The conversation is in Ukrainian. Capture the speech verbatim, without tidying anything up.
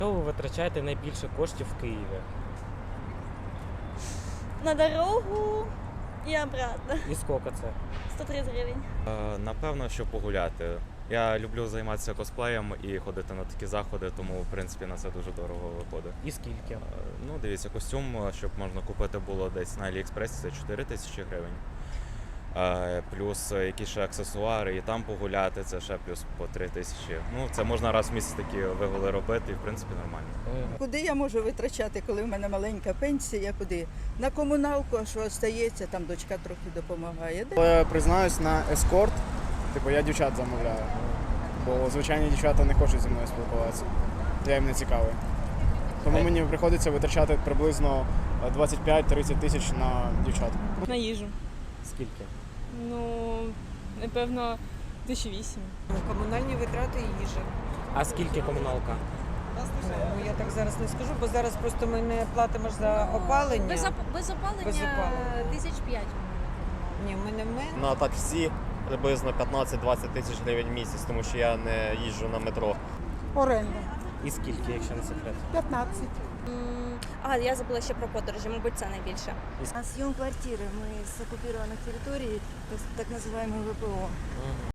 Що ви витрачаєте найбільше коштів в Києві? На дорогу і обратно. І скільки це? сто тридцять гривень. Е, Напевно, що погуляти. Я люблю займатися косплеєм і ходити на такі заходи, тому в принципі на це дуже дорого виходить. І скільки? Е, Ну, дивіться, костюм, щоб можна купити було десь на Аліекспресі, це чотири тисячі гривень. Е, Плюс якісь ще аксесуари, і там погуляти, це ще плюс по три тисячі. Ну, це можна раз в місяць такі вигули робити, і в принципі нормально. Е, Куди я можу витрачати, коли в мене маленька пенсія? Куди? На комуналку, а що остається, там дочка трохи допомагає. Але признаюсь, на ескорт, типу я дівчат замовляю. Бо звичайні дівчата не хочуть зі мною спілкуватися. Я їм не цікавий. Тому мені приходиться витрачати приблизно двадцять п'ять тридцять тисяч на дівчат. На їжу. Скільки? Ну, напевно, тисяча вісім. Комунальні витрати і їжа. А скільки комуналка? Ну, я так зараз не скажу, бо зараз просто ми не платимо ж за опалення. Без, оп- без опалення, Без опалення. тисяч п'ять. Ні, ми не ми. На таксі приблизно п'ятнадцять-двадцять тисяч гривень в місяць, тому що я не їжджу на метро. Оренда І скільки, якщо не секрет? п'ятнадцять. А, я забула ще про подорожі, мабуть, це найбільше. На съем квартиры мы с оккупированных территорий, так, так называемый ВПО.